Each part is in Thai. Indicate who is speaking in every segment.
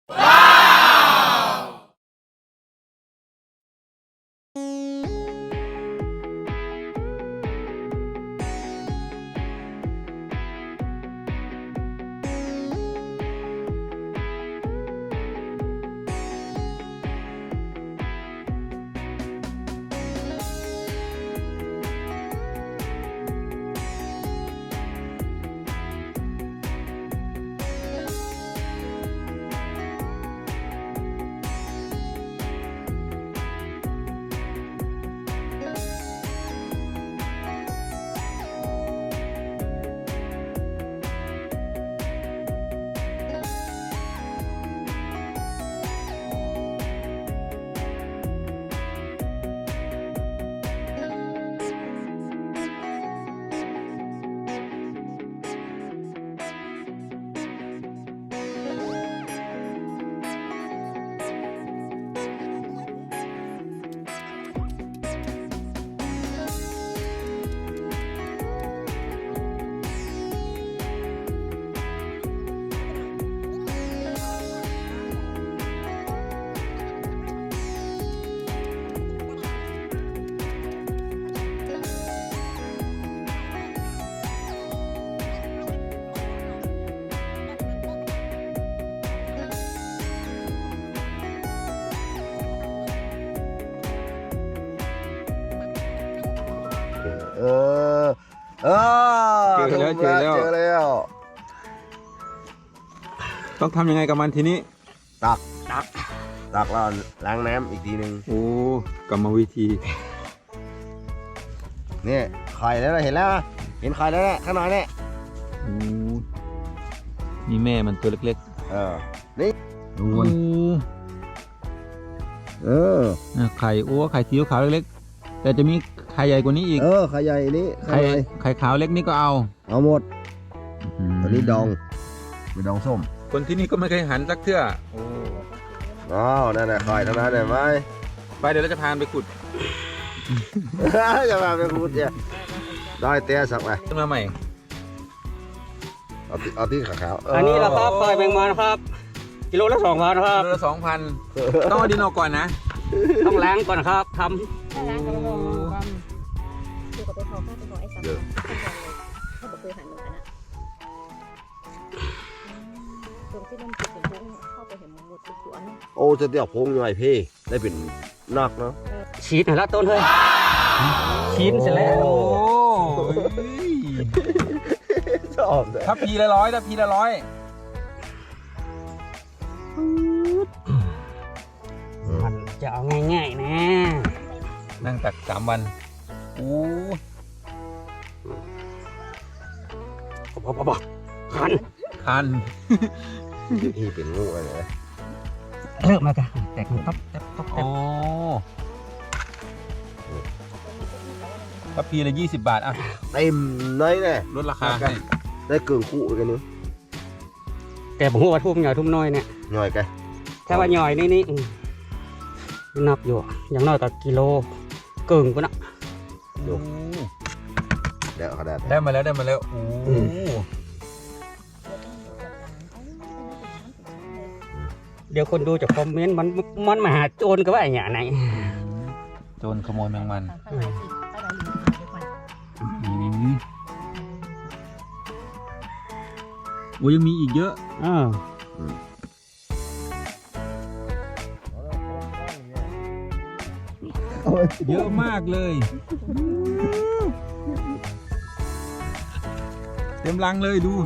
Speaker 1: เจอแล้วต้องทำยังไงกับมันทีนี้
Speaker 2: ตักแล้วล้างน้ำอีกทีนึง
Speaker 1: โอ้กรรมวิธี
Speaker 2: นี่ไข่แล้วเห็นแล้วเห็นไข่แล้วข้างในเนี่ย
Speaker 1: นี่แม่มันตัวเล็ก
Speaker 2: ๆนี่
Speaker 1: ดูไข่ไข่สีขาวเล็กๆแต่จะมีไข่ใหญ่กว่านี้อีก
Speaker 2: ไข่ใหญ่นี้
Speaker 1: ไข่ขาวเล็กนี่ก็เอา
Speaker 2: หมดตัวนี้ดองเป็นดองส้ม
Speaker 1: คนที่นี่ก็ไม่เคยหันสักเทื่อ
Speaker 2: นั่นแหละไข่ทั้งนั้นเลยไหม
Speaker 1: ไปเดี๋ยวเราจะพาไปขุด
Speaker 2: จะพาไปขุดเนี่ยได้เตี้ยสักไป
Speaker 1: ขึ้นมาใหม่
Speaker 2: เอาที่ขาว
Speaker 3: อันนี้เราครับปล่อยแมงมันครับกิโลละ2,000ครับ
Speaker 1: กิโลละ2,000ต้องเอาดินออกก่อนนะ
Speaker 3: ต้องล้างก่อนครับท
Speaker 4: ำล้างกันแล้วก็คือกับไปพอข้าวไปพอไอ้สามเขาบอกเคยหันเหมือนกันนะตรงที่มันติดถึงเข้าไปเห็นหมดทุกส่วน
Speaker 2: จะเดี๋ยวพงใหญ่พี่ได้เป็นนักเนาะ
Speaker 3: ชีสแล้วต้นเฮ้ยชีสเสร็จแล้ว
Speaker 1: ถ้าพีละ100
Speaker 3: มันจะเอาง่ายๆนะ
Speaker 1: นั่งตัก3 วันคัน
Speaker 2: ที่เป็นงูอะไร
Speaker 3: เริ่มมากันแตกต๊อบ
Speaker 1: ถ้าพีละ20 บาทอ่ะ
Speaker 2: เต็มเลยเนี่ย
Speaker 1: ลดราคาให้
Speaker 2: ได้เกินคู่กันนึง
Speaker 3: แกบอกว่าทุ่มหน่อยทุ่มน้อยเนี่ย
Speaker 2: หน่อยแก
Speaker 3: ถ้าว่าหน่อยนี่นับอยู่อย่างน้อยก็กิโลเกินกว่านะ
Speaker 2: ดูเดี๋ยวเขา
Speaker 1: ได้มาแล้ว
Speaker 3: เดี๋ยวคนดูจะคอมเมนต์มันมาหาโจรก็ว่าอย่างไหน
Speaker 1: โจรขโมยแมงมันยังมีอีกเยอะเยอะมากเลยเต็มรังเลยดู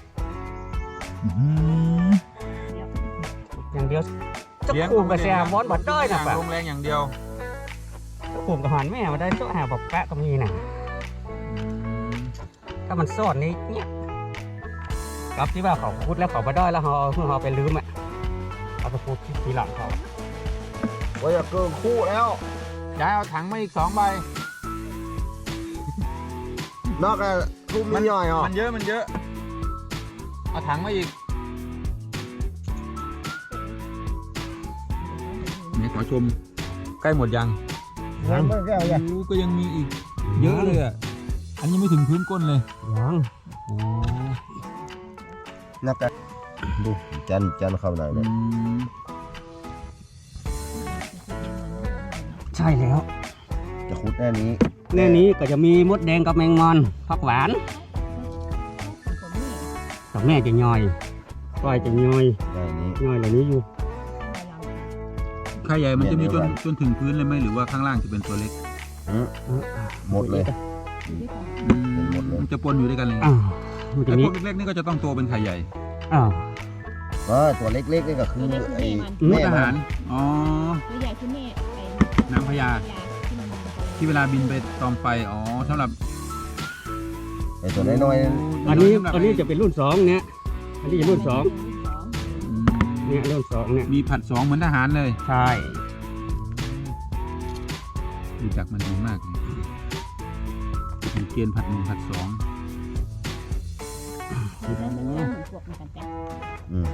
Speaker 3: อย่างเดียวจะขู่กับแซมวอนบัดด้อยนะ
Speaker 1: ลงแรงอย่างเดียว
Speaker 3: จะขู่กับหันแม่มาได้ช่วยหาบอกแปะตรงนี้นะถ้ามันซ่อนนี้เนี่ยกับที่ว่าเขาพูดแล้วเขาบัดด้อยแล้วเขาไปลืมเอาไปพูดทีหลังเขา
Speaker 2: ว่าจะเกินคู่แล้ว
Speaker 1: ย้ายเอาถังมาอีก2 ใบ
Speaker 2: นอกจากทุ่มย่อย
Speaker 1: มันเยอะเอาถังมาอีกนี่ขอชมใกล้หมดยังก็ยังมีอีกเยอะเลยอันนี้ไม่ถึงพื้นก้นเลย
Speaker 3: ยัง
Speaker 2: นอกจากดูจันเข้าหน่อยเลย
Speaker 3: ใช่แล้ว
Speaker 2: จะขุดแน่นี้
Speaker 3: แน่นี้ก็จะมีมดแดงกับแมงมอนผักหวานกับแม่จะย่อยก้อยจะย่อย
Speaker 2: แน่นี้
Speaker 3: ย่อยเหล่านี้อยู่
Speaker 1: ไข่ใหญ่มันจะมีจนถึงพื้นเลยไหมหรือว่าข้างล่างจะเป็นตัวเล็ก
Speaker 2: หมดเลย หมดเลย
Speaker 1: มันจะปนอยู่ด้วยกันเลย
Speaker 3: มันจะ
Speaker 1: ไอ้
Speaker 3: มี
Speaker 1: พวกเล็กๆนี่ก็จะต้องโตเป็นไข่ใหญ่
Speaker 2: ตัวเล็กๆนี่ก็คือไอ้
Speaker 1: มุ
Speaker 2: แม่
Speaker 1: กอา
Speaker 2: มั
Speaker 1: หาร
Speaker 2: น
Speaker 1: อ๋อ
Speaker 4: ตัวใหญ่คือแม่ไอ้
Speaker 1: นางพญา
Speaker 4: ที่มัน
Speaker 1: ที่เวลาบินไปตอมไฟอ๋อสำหรับ
Speaker 2: ไอ้ตัวน้อย
Speaker 3: อันนี้จะเป็นรุ่น2เนี่ยอันนี้จะรุ่น2
Speaker 1: อืม
Speaker 3: เนี่ยรุ่น2เนี่ย
Speaker 1: มีผัด2เหมือนทหารเลย
Speaker 3: ใช่
Speaker 1: รู้จักมันดีมากเลยมีเกณฑ์ผัด1ผัด2
Speaker 4: แล้วมันเหมือนพวกเหมือนกันแต่
Speaker 2: ๆอืม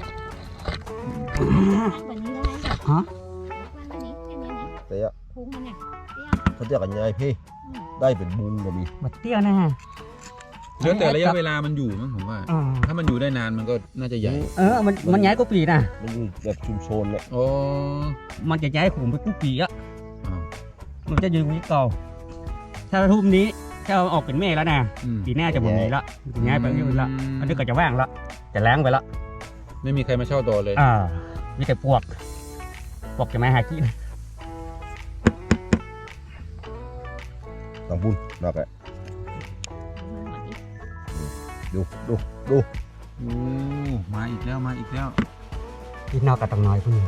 Speaker 4: วันนี้แล้วไง
Speaker 3: ฮะ
Speaker 4: วันนี้แค่นี้
Speaker 2: เตี้ย
Speaker 4: พุงมันเนี่ย
Speaker 2: เขาเรียกกันยังไงพี่ได้เป็นบุญก็มี
Speaker 3: บัดเตี้ยนะฮะ
Speaker 1: เดี๋ยวแต่ระยะเวลามันอยู่มั้งผมว่า ถ้ามันอยู่ได้นานมันก็น่าจะใหญ่
Speaker 3: มันย้ายกุปีนะ
Speaker 2: มันอยู่แบบชุมชนเนี่ย
Speaker 1: โอ้
Speaker 3: มันจะย้ายขุมไปกุปีอ่ะ
Speaker 1: อ้าว
Speaker 3: มันจะอยู่ที่เก่าถ้าทุ่มนี้ถ้าเอาออกเป็นแม่แล้วนะ
Speaker 1: อืม
Speaker 3: ปีหน้าจะหมดนี้ละจะย้ายไปที่อื่นละอันนี้ก็จะว่างละจะล้างไปละ
Speaker 1: ไม่มีใครมาเช่าต่อเลย
Speaker 3: มีแต่ปวกจะมาหากิน
Speaker 2: ต้องบุญนอกอะดู
Speaker 1: โอ้มาอีกแล้วมาอีกแล้ว
Speaker 3: ที่นอกกับตังน้อยพุ่น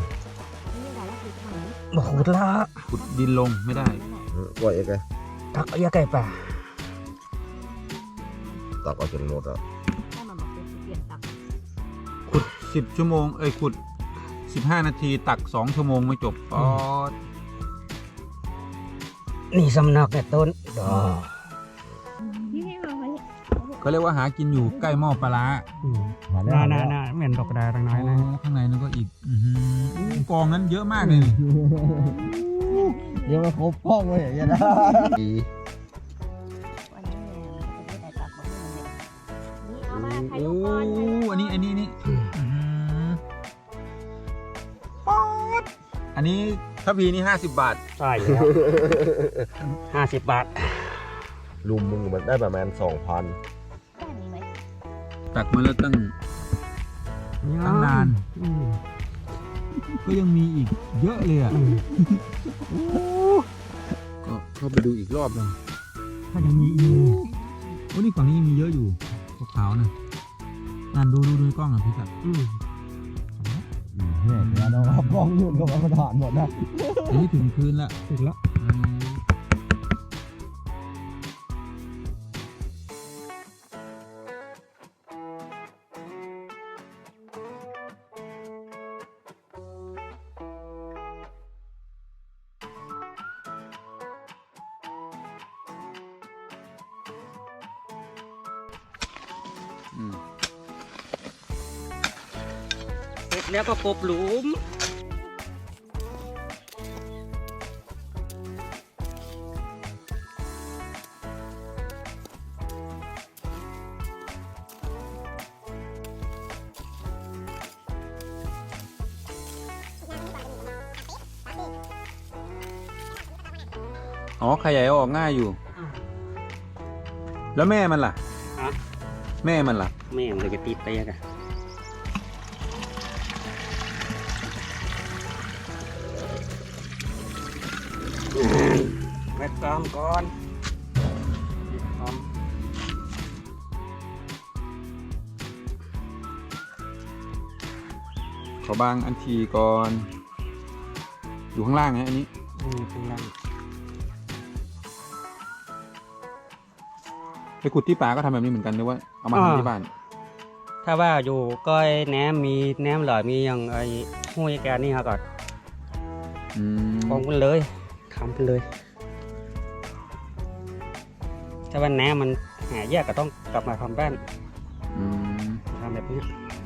Speaker 3: บ่ขุดละ
Speaker 1: ขุดดินลงไม่ได้
Speaker 2: ปล่อยเองไง
Speaker 3: ตักเอายาไก่ป่า
Speaker 2: ตักเอาจนหมดอ่ะ
Speaker 4: ถ้ามันบอกเปลี่ยนตัก
Speaker 1: ขุด10 ชั่วโมงขุด15 นาทีตัก2 ชั่วโมงไม่จบอ๋อ
Speaker 3: นี่สำนักเนี่ยต้นดอก
Speaker 4: นี่ให้มาไว้
Speaker 1: ก็เรียกว่าหากินอยู่ใกล้หม้อปลาร้า
Speaker 3: น่าเหม็นดอกกระดาษตังน้อยนะ
Speaker 1: ข้างในนั่นก็อีกกองนั้นเยอะมากเลยนี่
Speaker 2: เดี๋ยวมาครบห้องเลยอย่างเงี้ยนะ
Speaker 4: วันนี้เนี่ยมันจะได้ตักของมันเลยนี่เอามาถ่าย
Speaker 1: โอ้
Speaker 4: รูปก่อน
Speaker 1: อันนี้ป๊อดอันนี้ถ้าพีนี่50 บาท
Speaker 3: ใช่แล้ว50 บาท
Speaker 2: ลุมมึงมันได้ประมาณ 2,000
Speaker 4: ได้มีไหม
Speaker 1: ตักมาแล้วตั้งนาน ก็ยังมีอีกเยอะเลยอ่ะก็เข้าไปดูอีกรอบหนึง
Speaker 3: ถ้ายังมีอีก
Speaker 1: โอ้นี่ฝั่งนี้ยังมีเยอะอยู่ขาวๆนะนั่นดูในกล้องอ่ะพี่สัตว์
Speaker 2: เนี่ยเดี๋ยวเราเอากล้องยุ่นกับมาถ่านหมดนะ
Speaker 1: อันนี้ถึงพื้นละ
Speaker 3: ถึงแล้ว เสร็จแล้วก็กบหลุม
Speaker 1: อ๋อไข่ใหญ่เอาออกง่ายอยู่ แล้วแม่มันล่ะ แม่มันล่ะ
Speaker 3: แม่มันเลยจะติดไปอะแวดกรามก่อน
Speaker 1: ขอบางอันทีก่อน อยู่ข้างล่างไงอันนี้
Speaker 3: ข้างล่าง
Speaker 1: ไปขุดที่ป่าก็ทำแบบนี้เหมือนกันหรือว่าเอามาทำที่บ้าน
Speaker 3: ถ้าว่าอยู่ก้อยแหนมมีแหนมหลอยมีอย่างไอ้ห้วยแกนี่ครับก่อนกองกันเลยทำกันเลย ถ้าว่าแหนมมันหายากก็ต้องกลับมาทำบ้านทำแบบนี้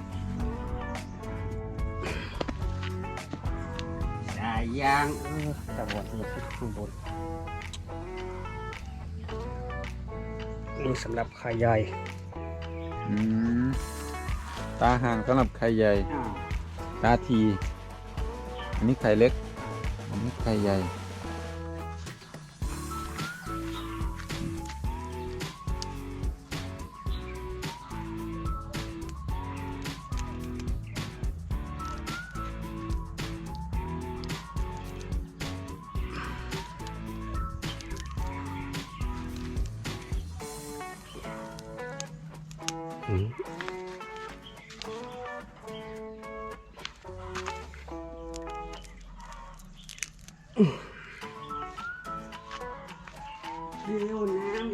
Speaker 3: ได้ยางตะวันที่ข้างบนนี่สำหรับไข่ใหญ่
Speaker 1: ตาห่างสำหรับไข่ใหญ่ ตาที อันนี้ไข่เล็ก อันนี้ไข่ใหญ่
Speaker 3: อืม เร็วน้ำ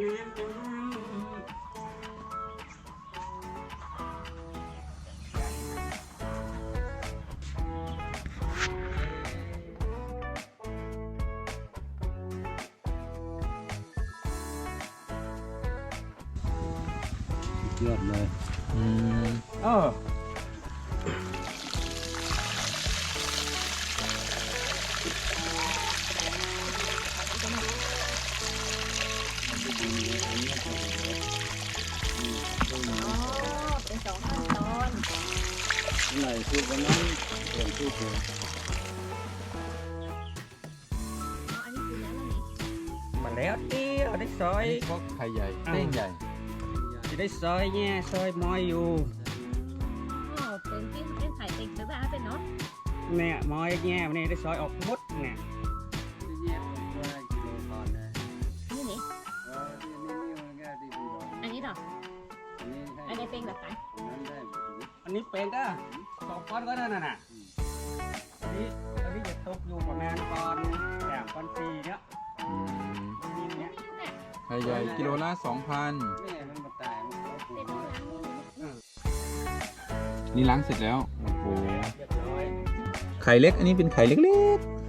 Speaker 2: เลือดเลย
Speaker 1: อืม
Speaker 3: เออ
Speaker 4: อ๋อเป็น2 ขั้นตอน
Speaker 2: ไหนพูดวันนั้นเปลี่ยนพูดเลย
Speaker 4: อันนี้คือแล้วนี่
Speaker 3: มาแล้วเตี้ยได้ซอ
Speaker 1: อัน
Speaker 3: ย
Speaker 1: นี้ก็ไข่ใหญ่เต้งใหญ่
Speaker 3: จะได้ซอยแง่ซอยมอยอยู่
Speaker 4: อ๋อเป็นที่เป็นไข่ติ่งซื้อบ้านเป็นเนาะ
Speaker 3: เนี่ยมอยแง่วันนี้ได้ซอยออกหมดเนี่ย
Speaker 4: นี่นี่อันนี้ดอกอันนี้เป็นแบบไหน
Speaker 3: อันนี้เป็นก็2 ก้อนก็นั่นน่ะอันนี้จะตกอยู่ประมาณก้อน3 ก้อน 4เนี่ย
Speaker 1: อืม
Speaker 3: นี่เนี่ย
Speaker 1: ไข่ใหญ่กิโลละ 2,000
Speaker 4: เป็นล้างนี่
Speaker 1: นี่ล้างเสร็จแล้ว โอ้โห
Speaker 3: เรียบร้อย
Speaker 1: ไข่เล็ก อันนี้เป็นไข่เล็กๆ